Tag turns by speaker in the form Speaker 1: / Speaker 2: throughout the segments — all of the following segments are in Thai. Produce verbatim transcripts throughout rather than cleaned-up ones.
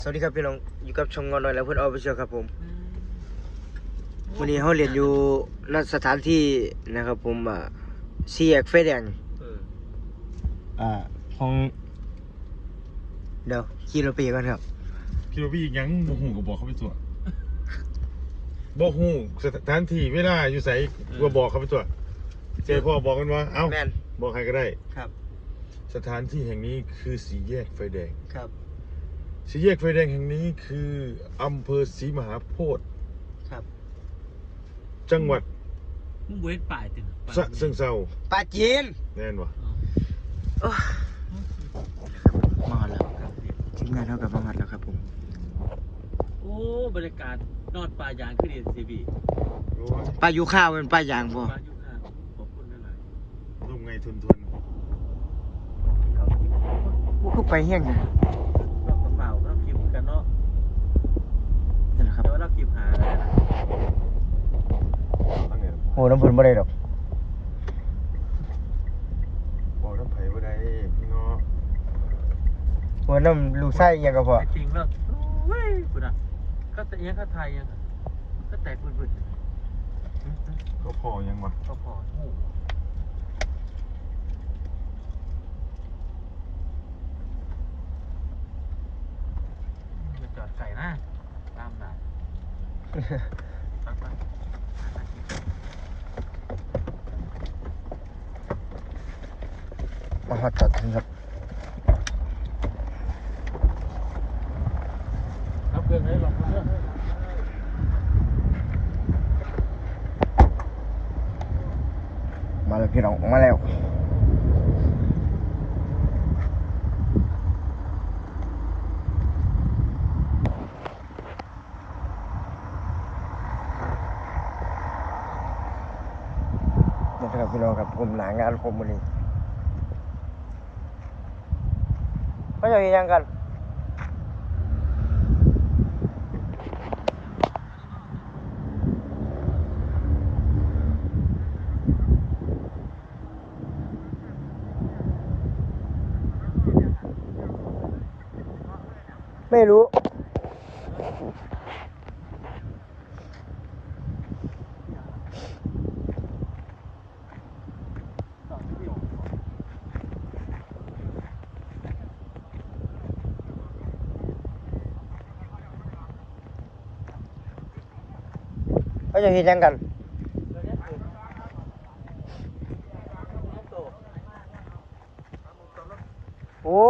Speaker 1: สวัสดีครับพี่น้องอยู่กับช่องงอนหน่อยแล้วเพื่อนออฟฟิเชียลครับผมวันนี้เขาเรียนอยู่ณสถานที่นะครับผมอ่าสี่แยกไฟแดงอ่าของเดี๋ยวขี่รถไปกันครับ
Speaker 2: พี่ว่าพี่ยังบ่หูก็บอกเขาไปตัวบ่หูสถานที่เวลาอยู่ไสก็บอกเขาไปตัวเจ้พ่อบอกกันว่าเอ้า
Speaker 1: แมน
Speaker 2: บอกใครก็ได้
Speaker 1: ครับ
Speaker 2: สถานที่แห่งนี้คือสี่แยกไฟแดง
Speaker 1: ครับ
Speaker 2: สี่แยกไฟแดงแห่งนี้คืออำเภอศรีมหาโพธิ์
Speaker 1: ครับ
Speaker 2: จังหวัด
Speaker 3: มึงเว้นป่ายตึง
Speaker 2: สะเชิงเทรา
Speaker 1: ปลาจีน
Speaker 2: แน่นวะ
Speaker 1: โอ้มาแล้วครับทีมงานเท่ากับมาหัดแล้วครับผม
Speaker 3: โอ้บรรยากาศนอดป่ายางขึ้นเอ็นซีบี
Speaker 2: โอ้ย
Speaker 1: ปลายูข้าวเป็นปลายางบ่
Speaker 3: ป่ายุค่าขอบคุณหลาย
Speaker 2: ร่มไงทุนทน
Speaker 1: กูคือไปเฮี้ยงนะ
Speaker 3: ๆเรากระเป๋าเราคิมกันเนาะ
Speaker 1: นี่แหละครับ
Speaker 3: แต่ว่าเราคิมหาแล้วนะ
Speaker 2: ตั้งไง
Speaker 1: โอ้น้ำผลบ่ได้ดอก
Speaker 2: บอกน้ำไผ่บ่ได้พี่เนาะ
Speaker 1: หัวน้ำลูกไส้ยังก็พอ
Speaker 3: แต่จริงแล้วโอ้ยคุณอ่ะก็แต่ยังก็ไทยยังอะก็แตกปืน
Speaker 2: ก็พอยังวะ
Speaker 3: ๆก็พอโอ้อย่าจอดไก่นะตามหนาตักไป
Speaker 1: มาหอดจอดถึงครับ
Speaker 3: รับเพื่อนให้หลอกเพื่อน
Speaker 1: มาแล้วพี่น้องมาแล้วนี่ครับพี่น้องครับผมหนางานผมวันนี้เขาจะยังกันไม่รู้เขาจะเห็นยังกันโอ้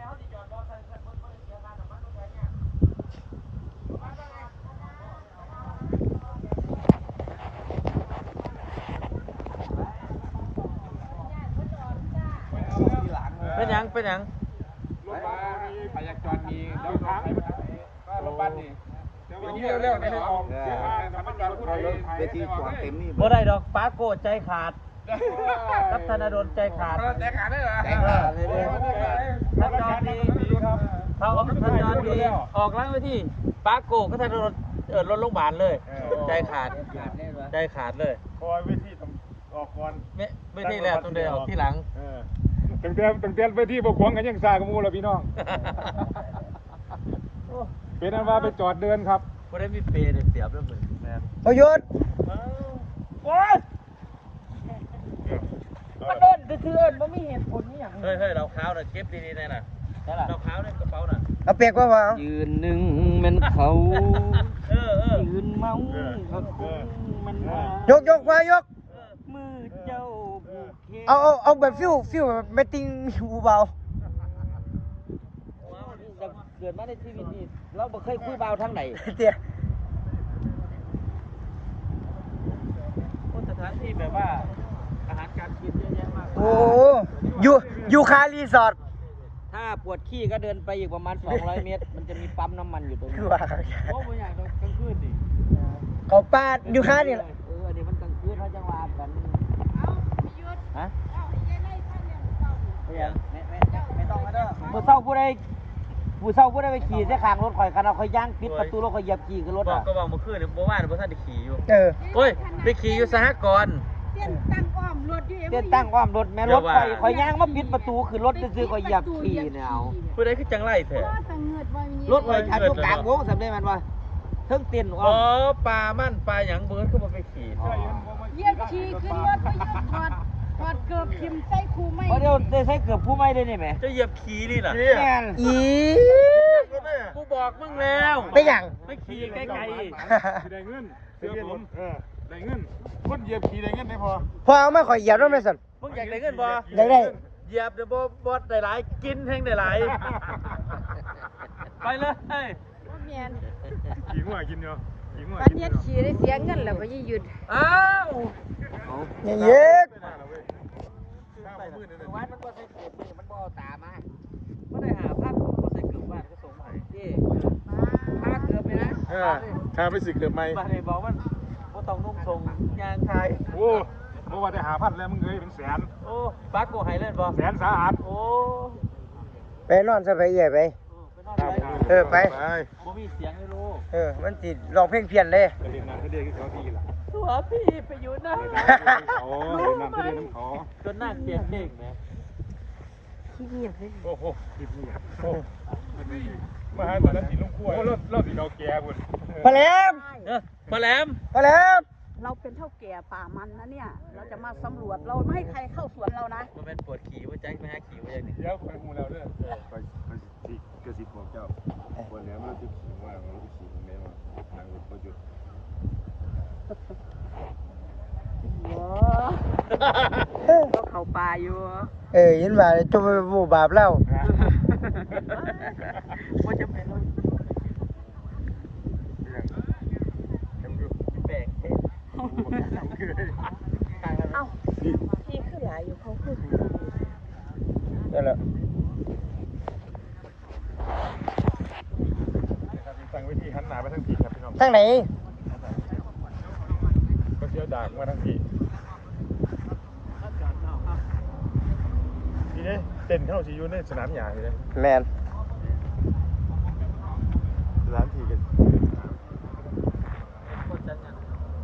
Speaker 3: เป็นยังเป็นยัง
Speaker 4: รถบัสไปอยากจอดมีเดี๋ยวค้างก็รถบัสนี่เดี๋ยวเร็วๆในออกเสียค่าทำมันจอดพูดเองเวทีจอดเต็มนี่
Speaker 3: บ่ได้ดอกป้าโกใจขาดกับธนาดลใจขาด
Speaker 4: ใจขาดได้เหรอ
Speaker 3: ใจขาดเลยเลยถ้าจอดดีเขาออกถ้าจอดดีออกล้างไปที่ป้าโกก็ธนาดลเออรถโรงพยาบาลเลย ใจขาดใจขาดเลย
Speaker 2: คอยเวทีต้องออกก่อน
Speaker 3: ไม่ไม่ที่แล้วต้องเดินออกที่หลัง
Speaker 2: เออ
Speaker 4: ตั้งแต่ตั้งแต่เวทีบกขวงกันยังซากับมูแล้วพี่น้องเป็นอันว่าไปจอดเดินครับ
Speaker 3: บ่ได้มีเปรย์เสียบแล้วเหมือนแม่
Speaker 1: เอาหยุด
Speaker 3: โอ๊ยมันโดนคือเอิญมันไม่เห็นผลนี่อย่างเฮ้ยเฮ้ยเราค้าวน่ะเก็บดีๆน่ะน่ะเราค้าวในกระเป๋าน่ะ
Speaker 1: เอาเปียกว่าว่า
Speaker 3: ยืนหนึ่งมันเขาเออเออยืนเมาเขามันมาย
Speaker 1: กยกมายก
Speaker 3: มือเจ้าผูกเข
Speaker 1: เอาเอาเอาแบบฟิวฟิวแบบไม่ติงหูเบา
Speaker 3: เกิดมาในชีวิตนี้เราบ่เคยคุยเบาทางไหน
Speaker 1: เตี้ย
Speaker 3: สถานที่แบบว่าอาหารการกินเยอะแยะมาก
Speaker 1: โอ้อยู่อยู่คารีสอร์ท
Speaker 3: ถ้าปวดขี้ก็เดินไปอีกประมาณสองร้อยเมตร มันจะมีปั๊มน้ำมันอยู่ตรง
Speaker 1: คื
Speaker 3: นี้
Speaker 1: อว่า
Speaker 3: โอ้บ่อยากกลางคืนดิ
Speaker 1: เขาปาดอยู่คานี่แหละ
Speaker 3: เออเดี๋ยวมันกลางคืนเขาจังหวะกันฮะไม่ยังไม่ไม่ไม่ต้องมาเด้อเมื่อเช้าผู้ใดผู้เช้าผู้ใดไปขี่เส้นข้างรถข่อยคันเอาข่อยย่างปิดประตูรถข่อยเหยียบขี่ขึ้นรถอ่ะก็บอกเมื่อคืนเนี่ยบ่ว่าบ่ทันได้ขี่อยู่
Speaker 1: เออ
Speaker 3: โอ้ยไปขี่อยู่สหกรณ์
Speaker 5: เตี้ยนตั้งอ้อมรรถอยู่
Speaker 3: เต้นตั้งความรถแม่รถข่อยข่อยย่างมาปิดประตูคือรถซื้อๆข่อยเหยียบขี่เนี่ยเอา
Speaker 6: ผู้ใดคือจังไรแท้
Speaker 3: รถข่อยชาร์จอยู่กลางวงสำเร็จมันว่าเทิงเต้น
Speaker 6: อ๋
Speaker 3: ว่า
Speaker 6: อปลามั่นปลาหยังเบิร์ดก็มาไปขี่
Speaker 5: เหยียบขี่ขึ้นรถไปยืนถอดถอดเกือบทิมใส่คูไม่
Speaker 3: เพราะเดี๋ยวได้ใช้เกือบผู้ไม่ได้นี่แหม
Speaker 6: จะเหยียบขี่นี่น่ะ
Speaker 3: แม่น
Speaker 1: อี
Speaker 6: กูบอกมึงแล้ว
Speaker 1: ไม่หยัง
Speaker 6: ไม่ขี่ใกล้
Speaker 2: ได้เงินเสื้อผมเออได้เงินคนเหยียบขี่ได้เงินได้พอ
Speaker 1: พอเอามาข่อยเหยียบแล้วแม่สัน
Speaker 6: ๆมึงอยากได้เงินบ่
Speaker 1: อยากได้
Speaker 6: เหยียบเดี๋ยวบ่บ่ได้หลายกินแห้งได้หลายไปเลย
Speaker 5: ว่าเมียน
Speaker 2: ขี่หัวกินเนาะขี่หัว
Speaker 5: ปันเนี้ยขี่ได้เสียเงินแล้วก็ยิ่งหยุด
Speaker 6: อ้าว
Speaker 1: เนี่ยเย็ก
Speaker 3: วันมันบ่ใส่เกือบมือมันบ่เอาตามา
Speaker 6: บ่ได้หาภาพบ่ใส่เกือบบ้านก็ส่งมาให้
Speaker 3: ที่ถ้าเกือบไปนะ
Speaker 2: เออข้าไปสึกเดือบไหม
Speaker 6: บ้านนี้บอกมันบ่ต้องนุ่งทรงยางไทย
Speaker 2: โอ้เมื่อวานได้หาพันแล้วมึงเอ้ยเป็นแสน
Speaker 6: โอ้ปักกูให้เล่นบ่
Speaker 2: แสนสาหัส
Speaker 6: โอ้
Speaker 1: ไปนอนซะไปเอี่ยไป
Speaker 6: ไปนอนไป
Speaker 1: เออไป
Speaker 2: ไป
Speaker 6: บ่มีเสียงเลยลูก
Speaker 1: เออ มันติดร้องเพลงเพี้ยนเลย
Speaker 2: ไปเรียนน้ำทะเลที่เขาดีล่ะ
Speaker 6: ตัวพี่ไปอยู่นะ
Speaker 2: เรียนน้ำเขาเรียนน้ำทะเลน้ำเขา
Speaker 6: จนนั่งเปลี่ยนเพลงแหม
Speaker 5: ขี้เกียจเลย
Speaker 2: โอ้โหคิดนี่โอ้มาหาตอนนั้นสีลุงขั้วโอ้รอบรอบสีเราแก่บุญ
Speaker 1: พอแหลม
Speaker 6: เออมาแหลม
Speaker 1: พอแหลม
Speaker 5: เราเป็นเท่าแก่ป่ามันนะเนี่ย เราจะมาสำรวจเราไม่ให้ใครเข้าสวนเรานะ
Speaker 6: มันเป็นปวดขี่ว่าแจ็คไปหาขี่ว่าอย่างนี้
Speaker 2: เดี๋ยวคอยมูเราเด้อคอยคอยสิกระสิบบอกเจ้าวันนี้มันจะขี่ว่ามันจะขี่ตรงไหนวะทางรถก็หยุด
Speaker 5: เราเข้าป่าอยู่
Speaker 1: เออยินว่าจมไปบูบาปแล้ว
Speaker 5: ว่าจะเป็น
Speaker 6: แปลกเท่
Speaker 5: เอ้าที่ขึ้นหลายอยู่เขาขึ้น
Speaker 1: นั่นแหละ
Speaker 2: ตั้งวิธีหันหน้าไปทางผีครับพี่น้อง
Speaker 1: ทางไหน
Speaker 2: ก็เชี่ยวดากมาทางผีทีนี้เต้นเข้าสิอยู่ในสนามหญ้าทีนี้
Speaker 1: แมน
Speaker 2: สนามผีกัน
Speaker 6: คนจันยัง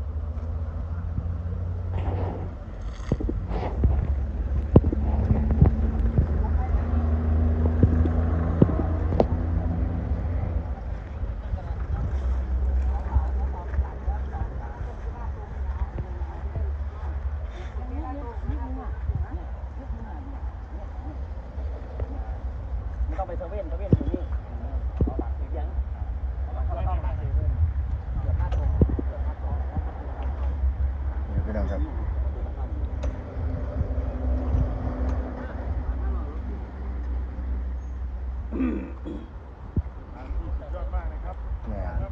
Speaker 3: ไม่ต้องไปเซเว่นเซเว่นอยู่นี่เอาหลักสียังเอาหลักเข้าหลักเซเว่นเกือบห้าตัวเกือบห้าตัว
Speaker 1: นี่พี่น้องครับ
Speaker 2: ยอดมากนะครับ
Speaker 1: แม่น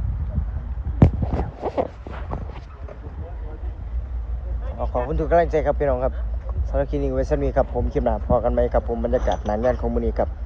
Speaker 1: เอาขอบคุณทุกกำลังใจครับพี่น้องครับสำหรับคลิปนี้ไว้สำหรับนี้ครับผมคลิปหน้าพอกันไหมครับผมบรรยากาศหนานงานของมื้อนี้ครับ